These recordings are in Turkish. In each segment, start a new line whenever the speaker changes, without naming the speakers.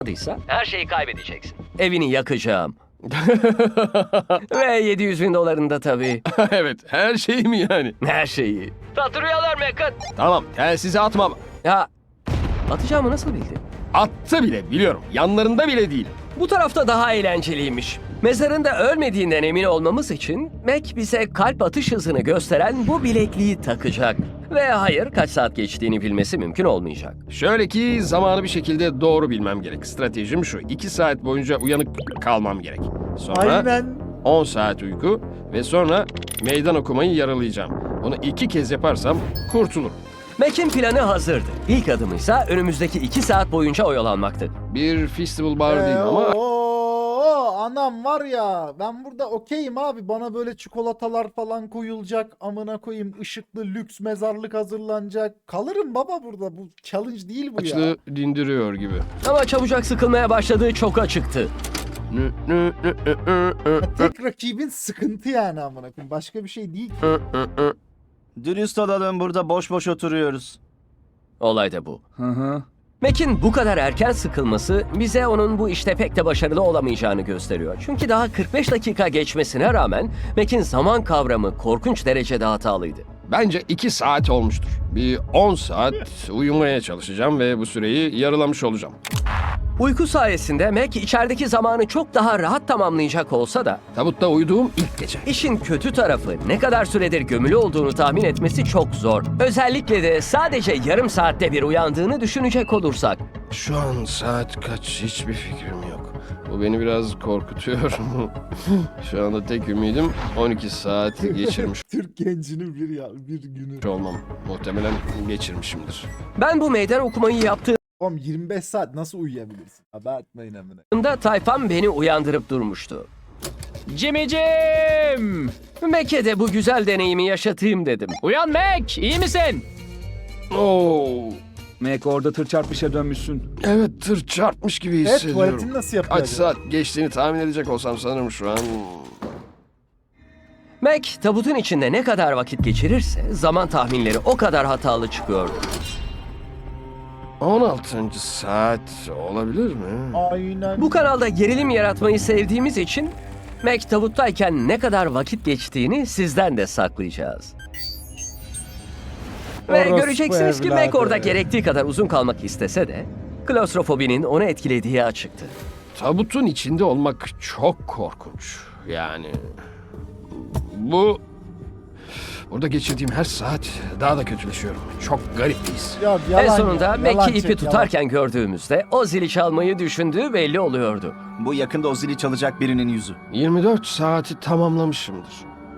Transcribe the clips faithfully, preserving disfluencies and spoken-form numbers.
her şeyi kaybedeceksin. Evini yakacağım. Ve yedi yüz bin dolarında tabii.
Evet, her şey mi yani?
Her şeyi. Tatlı rüyalar Mekan.
Tamam, telsizi atmam.
Ya atacağımı nasıl bildin?
Attı bile, biliyorum. Yanlarında bile değil.
Bu tarafta daha eğlenceliymiş. Mezarında ölmediğinden emin olmamız için Mac bize kalp atış hızını gösteren bu bilekliği takacak. Ve hayır, kaç saat geçtiğini bilmesi mümkün olmayacak.
Şöyle ki zamanı bir şekilde doğru bilmem gerek. Stratejim şu, iki saat boyunca uyanık kalmam gerek. Sonra
Aynen.
on saat uyku ve sonra meydan okumayı yaralayacağım. Bunu iki kez yaparsam kurtulurum.
Mac'in planı hazırdı. İlk adımıysa önümüzdeki iki saat boyunca oyalanmaktı.
Bir festival bar değil
Ee,
ama
oo, anam var ya, ben burada okeyim abi, bana böyle çikolatalar falan koyulacak, amına koyayım, ışıklı lüks mezarlık hazırlanacak, kalırım baba burada, bu challenge değil bu ya.
açlığı dindiriyor gibi.
Ama çabucak sıkılmaya başladığı çok açıktı.
Nü, nü, nü, nü, nü, nü,
Ya tek rakibin sıkıntı yani, amına koyayım, başka bir şey değil ki.
nü, nü, nü.
Dürüst olalım, burada boş boş oturuyoruz.
Olay da bu.
Hı hı.
Mac'in bu kadar erken sıkılması bize onun bu işte pek de başarılı olamayacağını gösteriyor. Çünkü daha kırk beş dakika geçmesine rağmen Mac'in zaman kavramı korkunç derecede hatalıydı.
Bence iki saat olmuştur. Bir on saat uyumaya çalışacağım ve bu süreyi yarılamış olacağım.
Uyku sayesinde Mac içerideki zamanı çok daha rahat tamamlayacak olsa da
Tabutta uyuduğum ilk gece.
işin kötü tarafı ne kadar süredir gömülü olduğunu tahmin etmesi çok zor. Özellikle de sadece yarım saatte bir uyandığını düşünecek olursak.
Şu an saat kaç hiçbir fikrim yok. Bu beni biraz korkutuyor. Şu anda tek ümidim on iki saat geçirmiş
Türk gencinin bir ya bir günü.
olmam. Muhtemelen geçirmişimdir.
Ben bu meydan okumayı yaptığımda
Oğlum yirmi beş saat nasıl uyuyabilirsin? Abartmayın amına.
tayfam beni uyandırıp durmuştu.
Jimmy'cim!
Mac'e de bu güzel deneyimi yaşatayım dedim.
Uyan Mac, iyi misin?
Oo,
Mac, orada tır çarpmışa dönmüşsün.
evet tır çarpmış gibi
Evet,
hissediyorum.
tuvaletini nasıl yapıyor
Kaç
acaba?
saat geçtiğini tahmin edecek olsam sanırım şu an.
Mac tabutun içinde ne kadar vakit geçirirse zaman tahminleri o kadar hatalı çıkıyordu.
on altıncı saat olabilir mi?
Aynen.
Bu kanalda gerilim yaratmayı sevdiğimiz için Mac tabuttayken ne kadar vakit geçtiğini sizden de saklayacağız. Ve
Orospu
göreceksiniz ki Mac
evladı.
orada gerektiği kadar uzun kalmak istese de klostrofobinin onu etkilediği açıktı.
Tabutun içinde olmak çok korkunç. Yani bu burada geçirdiğim her saat daha da kötüleşiyorum. Çok garip bir his.
Ya, yalan
en sonunda
ya,
Mac'i
yalan
ipi
çek,
tutarken gördüğümüzde o zili çalmayı düşündüğü belli oluyordu.
Bu yakında o zili çalacak birinin yüzü.
yirmi dört saati tamamlamışımdır.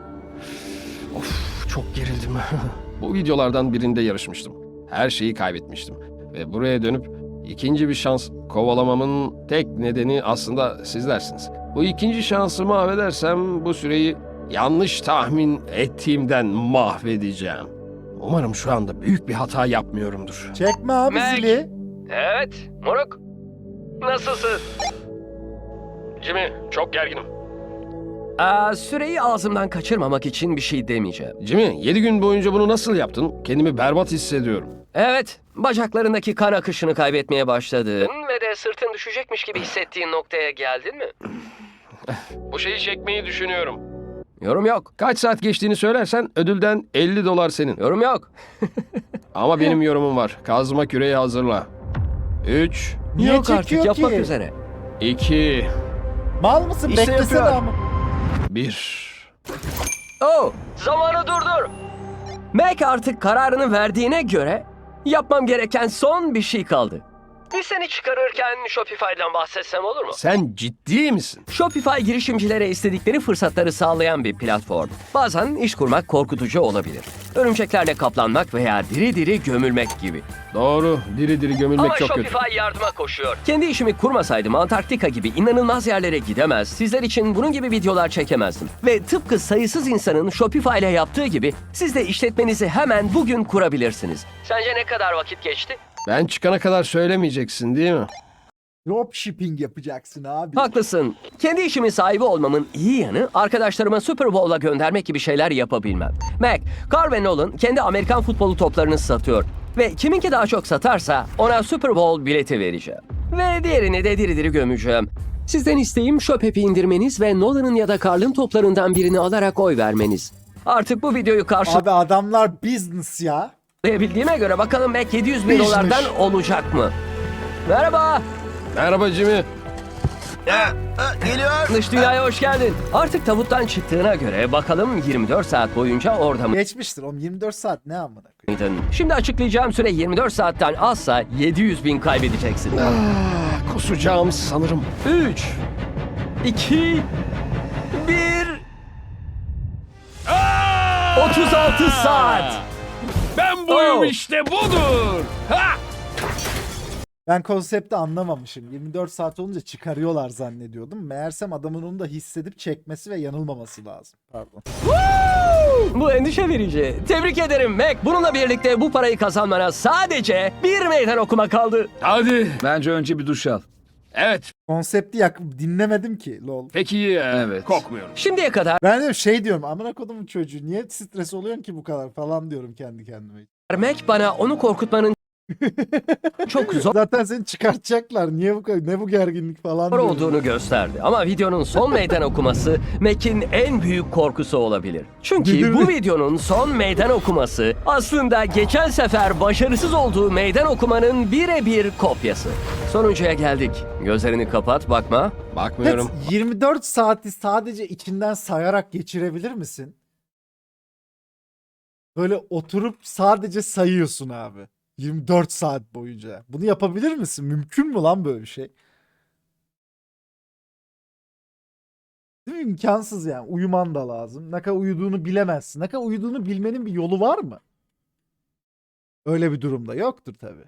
Of, çok gerildim. Bu videolardan birinde yarışmıştım. Her şeyi kaybetmiştim. Ve buraya dönüp ikinci bir şans kovalamamın tek nedeni aslında sizlersiniz. Bu ikinci şansımı affedersem bu süreyi yanlış tahmin ettiğimden mahvedeceğim. Umarım şu anda büyük bir hata yapmıyorumdur.
yalan. Çekme abi
Mac.
zili.
Evet, moruk. Nasılsın?
Jimmy, çok gerginim.
Aa, süreyi ağzımdan kaçırmamak için bir şey demeyeceğim.
Jimmy, yedi gün boyunca bunu nasıl yaptın? Kendimi berbat hissediyorum.
Evet, bacaklarındaki kan akışını kaybetmeye başladın. Ve de sırtın düşecekmiş gibi hissettiğin noktaya geldin mi?
Bu şeyi çekmeyi düşünüyorum.
Yorum yok,
Kaç saat geçtiğini söylersen ödülden elli dolar senin.
yorum yok.
Ama benim yorumum var. Kazma küreği hazırla. üç,
Niye
yok artık,
çekiyor
yapmak
ki?
üzere.
iki,
Mal mısın?
İşte
Beklesene
yapıyor.
ama.
bir.
Oh, zamanı durdur. Mac artık kararını verdiğine göre yapmam gereken son bir şey kaldı. Bir seni çıkarırken Shopify'dan bahsetsem olur mu?
Sen ciddi misin?
Shopify girişimcilere istedikleri fırsatları sağlayan bir platform. Bazen iş kurmak korkutucu olabilir. Örümceklerle kaplanmak veya diri diri gömülmek gibi.
Doğru. Diri diri gömülmek
Ama
çok
Shopify
kötü.
yardıma koşuyor. Kendi işimi kurmasaydım Antarktika gibi inanılmaz yerlere gidemez, sizler için bunun gibi videolar çekemezdim. Ve tıpkı sayısız insanın Shopify ile yaptığı gibi siz de işletmenizi hemen bugün kurabilirsiniz. Sence ne kadar vakit geçti?
Ben çıkana kadar söylemeyeceksin değil mi?
Dropshipping yapacaksın abi.
Haklısın. Kendi işimin sahibi olmamın iyi yanı arkadaşlarıma Super Bowl'a göndermek gibi şeyler yapabilmem. Mac, Carl ve Nolan kendi Amerikan futbolu toplarını satıyor. Ve kiminki daha çok satarsa ona Super Bowl bileti vereceğim. Ve diğerini de diri diri gömeceğim. Sizden isteğim Shopep'i indirmeniz ve Nolan'ın ya da Carl'ın toplarından birini alarak oy vermeniz. Artık bu videoyu
Abi adamlar business ya.
karşılayabildiğime göre bakalım Mac yedi yüz bin
Business.
dolardan olacak mı? Merhaba.
Merhaba Jimmy.
Geliyor.
Dış dünyaya hoş geldin. Artık tabuttan çıktığına göre bakalım yirmi dört saat boyunca orada
Geçmiştir oğlum, yirmi dört saat ne amına koyayım.
mıydın? Şimdi açıklayacağım süre yirmi dört saatten azsa yedi yüz bin kaybedeceksin.
Ah, kusacağım sanırım.
üç, iki, bir... otuz altı saat.
Ben
buyum Oh.
işte budur. Ha!
Ben konsepti anlamamışım. yirmi dört saat olunca çıkarıyorlar zannediyordum. Meğersem adamın onu da hissedip çekmesi ve yanılmaması lazım. Pardon.
Bu endişe verici. Tebrik ederim Mac. Bununla birlikte bu parayı kazanmana sadece bir meydan okuma kaldı.
Hadi.
Bence önce bir duş al.
Evet.
Konsepti yak dinlemedim ki lol.
Peki e,
Evet.
kokmuyorum.
Şimdiye kadar
Ben de şey diyorum, amına kodumun çocuğu niye stres oluyorsun ki bu kadar falan diyorum kendi kendime.
Mac bana onu korkutmanın çok zor
Zaten seni çıkartacaklar. Niye bu kadar, ne bu gerginlik falan diyorum.
olduğunu gösterdi. Ama videonun son meydan okuması Mac'in en büyük korkusu olabilir. Çünkü
Değil
bu
mi?
videonun son meydan okuması aslında geçen sefer başarısız olduğu meydan okumanın birebir kopyası. Sonuncuya geldik. Gözlerini kapat, bakma.
Bakmıyorum.
Evet, yirmi dört saati sadece içinden sayarak geçirebilir misin? Böyle oturup sadece sayıyorsun abi. yirmi dört saat boyunca. Bunu yapabilir misin? Mümkün mü lan böyle bir şey? Değil mi? İmkansız yani. Uyuman da lazım. Ne kadar uyuduğunu bilemezsin. Ne kadar uyuduğunu bilmenin bir yolu var mı? Öyle bir durumda yoktur tabii.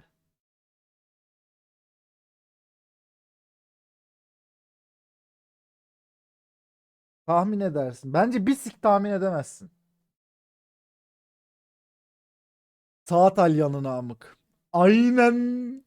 Tahmin edersin. Bence bir sik tahmin edemezsin. Saat alyanı namık. Aynen.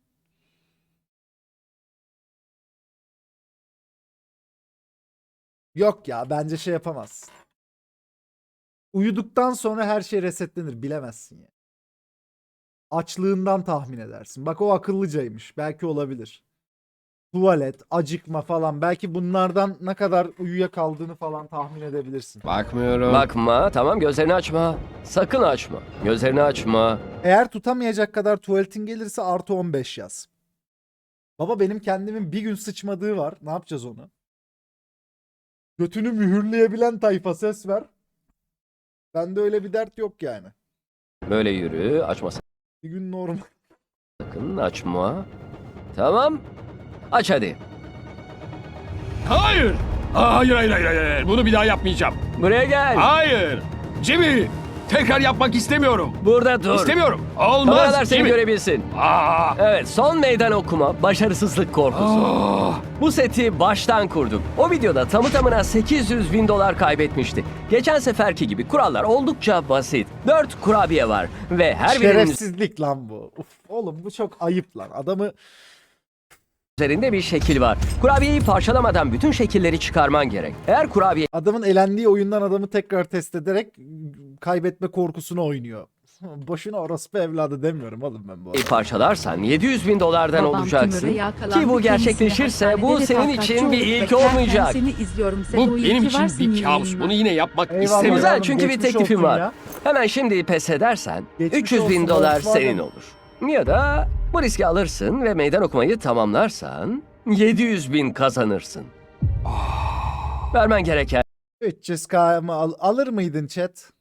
Yok ya, bence şey yapamazsın. Uyuduktan sonra her şey resetlenir, bilemezsin ya. Açlığından tahmin edersin. Bak o akıllıcaymış. Belki olabilir. Tuvalet, acıkma falan. Belki bunlardan ne kadar uyuyakaldığını falan tahmin edebilirsin.
Bakmıyorum.
Bakma, tamam gözlerini açma. Sakın açma. Gözlerini açma.
Eğer tutamayacak kadar tuvaletin gelirse artı on beş yaz. Baba benim kendimin bir gün sıçmadığı var. Ne yapacağız onu? Götünü mühürleyebilen tayfa ses ver. Bende öyle bir dert yok yani.
Böyle yürü, açma
Bir gün normal.
sakın, açma. Tamam. Aç hadi.
Hayır. Aa, hayır, hayır, hayır, hayır. Bunu bir daha yapmayacağım.
Buraya gel.
Hayır. Jimmy. Tekrar yapmak istemiyorum.
Burada dur.
İstemiyorum.
Kameralar
Olmaz
seni
Jimmy.
görebilsin.
Aa.
Evet, son meydan okuma, başarısızlık korkusu.
Ah.
Bu seti baştan kurduk. O videoda tamı tamına sekiz yüz bin dolar kaybetmişti. Geçen seferki gibi kurallar oldukça basit. dört kurabiye var ve her birinin
Şerefsizlik lan bu. Uf, oğlum bu çok ayıp lan. Adamı
üzerinde bir şekil var. Kurabiyeyi parçalamadan bütün şekilleri çıkarman gerek. Eğer kurabiyeyi
adamın elendiği oyundan adamı tekrar test ederek kaybetme korkusunu oynuyor. Boşuna orospu evladı demiyorum oğlum ben bu arada.
parçalarsan yedi yüz bin dolardan
Babam
olacaksın.
tümöre yakalandı.
Ki bu
Kendisini
gerçekleşirse bu
hastanede
senin
refakatçi
için bir
olup
ilk
beklerken
olmayacak.
Seni izliyorum. Sen
Bu
o iyi
benim
ki
için
varsın
bir kabus.
yayınına.
Bunu yine yapmak
Eyvallah.
istemiyorum.
Güzel,
Oğlum,
çünkü bir
geçmiş
teklifim
olsun
var.
ya.
Hemen şimdi pes edersen
Geçmiş
üç yüz bin
olsun,
dolar
Volkswagen.
senin olur. Ya da bu riski alırsın ve meydan okumayı tamamlarsan yedi yüz bin kazanırsın. Vermen gereken
üç yüz K mı al- alır mıydın chat?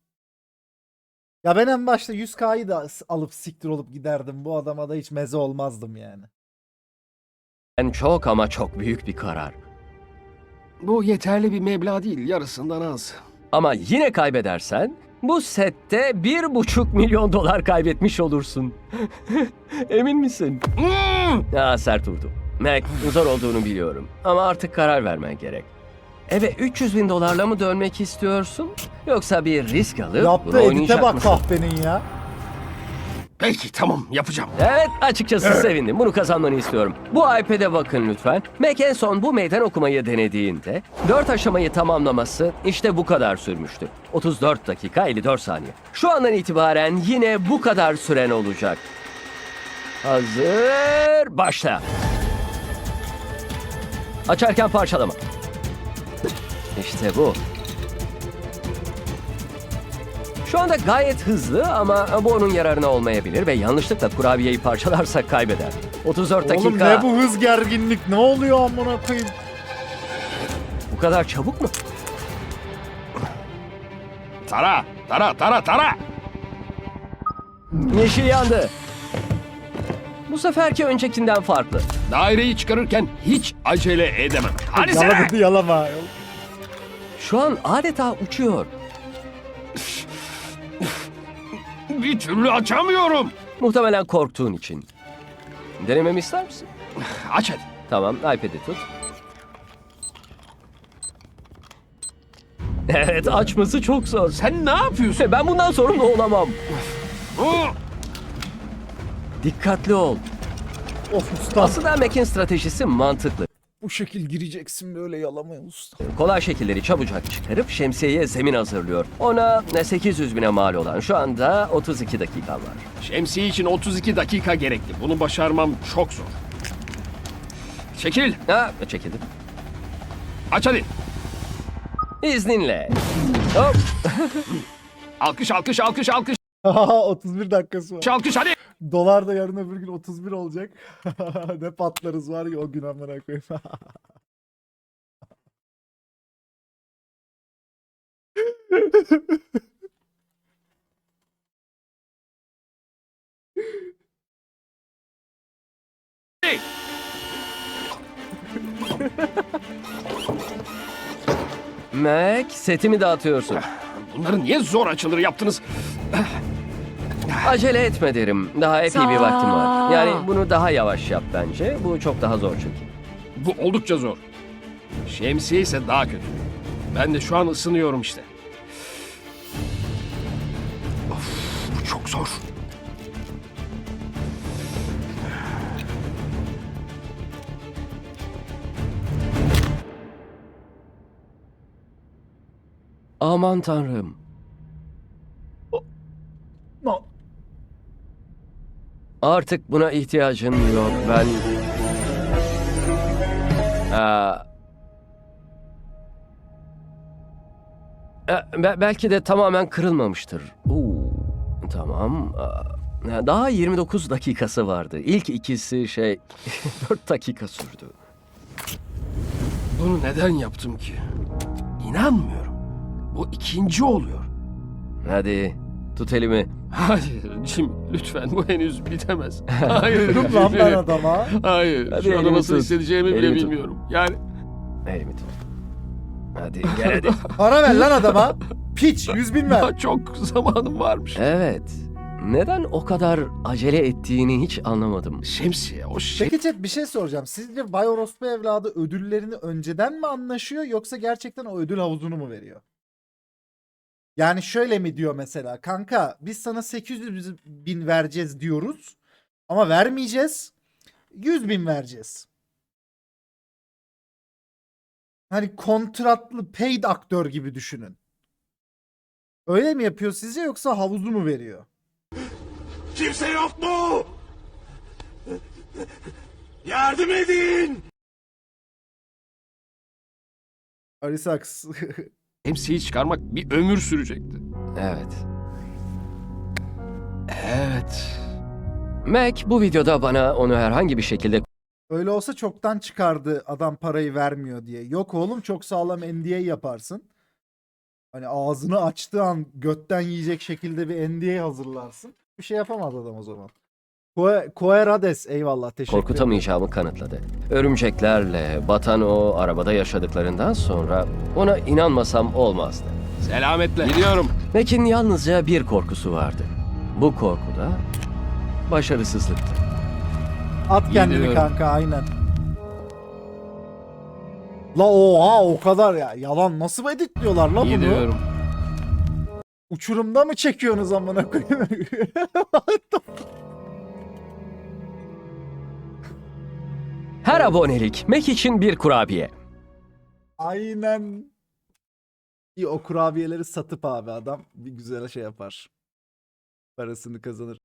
Ya ben en başta yüz K'yı da s- alıp siktir olup giderdim. Bu adama da hiç meze olmazdım yani.
çok ama çok büyük bir karar.
Bu yeterli bir meblağ değil. Yarısından az.
Ama yine kaybedersen bu sette bir buçuk milyon dolar kaybetmiş olursun. Emin misin?
Hmm.
Ya sert vurdu. Mac, zor olduğunu biliyorum. Ama artık karar vermen gerek. Eve üç yüz bin dolarla mı dönmek istiyorsun? Yoksa bir risk alıp
Yaptığı
bunu
edite
oynayacak
bak
mısın?
kahpenin ya.
Peki tamam yapacağım.
Evet, açıkçası sevindim. Bunu kazanmanı istiyorum. Bu iPad'e bakın lütfen. Mac en son bu meydan okumayı denediğinde dört aşamayı tamamlaması işte bu kadar sürmüştü. otuz dört dakika elli dört saniye. Şu andan itibaren yine bu kadar süren olacak. Hazır, başla. Açarken parçalama. İşte bu. Şu anda gayet hızlı ama bu onun yararına olmayabilir ve yanlışlıkla kurabiyeyi parçalarsak kaybeder. otuz dört dakika.
Oğlum ne bu hız gerginlik? Ne oluyor amına koyayım?
Bu kadar çabuk mu?
Tara, tara, tara, tara.
Yeşil yandı. Bu seferki öncekinden farklı.
Daireyi çıkarırken hiç acele edemem. Hadi sen.
Yalamadı yalama.
Şu an adeta uçuyor.
Bir türlü açamıyorum.
Muhtemelen korktuğun için. Denememi ister misin?
Aç hadi.
Tamam, iPad'i tut. Evet, açması çok zor.
Sen ne yapıyorsun?
Ben bundan sorumlu olamam.
Oo,
Dikkatli ol.
Of usta.
Aslında Mac'in stratejisi mantıklı.
Bu şekil gireceksin böyle yalamaya usta.
Kolay şekilleri çabucak çıkarıp şemsiyeye zemin hazırlıyor. Ona sekiz yüz bine mal olan şu anda otuz iki dakikan var.
şemsiye için otuz iki dakika gerekli. Bunu başarmam çok zor. Çekil.
Ha, çekildim.
Aç hadi.
İzninle. Hop.
Alkış, alkış, alkış, alkış,
otuz bir dakikası var.
alkış hadi.
Dolar da yarın öbür gün otuz bir olacak. Ne patlarız var ya o gün amına koyayım.
Mac, setimi dağıtıyorsun.
Bunları niye zor açılır yaptınız?
Acele etme derim. Daha epey bir vaktim var. Yani bunu daha yavaş yap bence. Bu çok daha zor çünkü.
Bu oldukça zor. Şemsiye ise daha kötü. Ben de şu an ısınıyorum işte. Of, bu çok zor.
Aman tanrım.
No.
Artık buna ihtiyacım yok. Ben... Aa... E, be- belki de tamamen kırılmamıştır. Oo, tamam. Aa, daha yirmi dokuz dakikası vardı. İlk ikisi şey dört dakika sürdü.
Bunu neden yaptım ki? İnanmıyorum. Bu ikinci oluyor.
Hadi tut elimi.
Hayır Jim, lütfen bu henüz bitemez. Hayır.
Dur lan ben adama.
Hayır.
Hadi
şu anda
elimi
nasıl
tut.
hissedeceğimi bile
Elimi tut.
bilmiyorum. Yani
Elimi tut. Hadi gel hadi.
Para ver lan adama. Piç yüz bin ver.
daha çok zamanım varmış.
Evet. Neden o kadar acele ettiğini hiç anlamadım.
Şemsiye, o şey...
Peki chat bir şey soracağım. Sizce Bay Orospu evladı ödüllerini önceden mi anlaşıyor yoksa gerçekten o ödül havuzunu mu veriyor? Yani şöyle mi diyor mesela, kanka biz sana sekiz yüz bin vereceğiz diyoruz ama vermeyeceğiz, yüz bin vereceğiz. Hani kontratlı paid aktör gibi düşünün. Öyle mi yapıyor sizce yoksa havuzu mu veriyor?
Kimse yok mu? Yardım edin!
Arisax.
Şemsiyeyi çıkarmak bir ömür sürecekti.
Evet.
Evet.
Mac bu videoda bana onu herhangi bir şekilde
Öyle olsa çoktan çıkardı adam parayı vermiyor diye. Yok oğlum çok sağlam N D A yaparsın. Hani ağzını açtığı an götten yiyecek şekilde bir N D A hazırlarsın. Bir şey yapamaz adam o zaman. Koe- Koerades eyvallah teşekkür ederim.
korkutamayacağımı kanıtladı. Örümceklerle batan o arabada yaşadıklarından sonra ona inanmasam olmazdı.
Selametle. Gidiyorum.
Mac'in yalnızca bir korkusu vardı. Bu korku da başarısızlıktı.
At kendini
Gidiyorum.
kanka aynen. La oha o kadar ya. Yalan nasıl editliyorlar la bunu?
Gidiyorum.
Uçurumda mı çekiyorsunuz amına koyayım?
Her abonelik Mac için bir kurabiye.
Aynen. İyi o kurabiyeleri satıp abi adam bir güzel şey yapar. Parasını kazanır.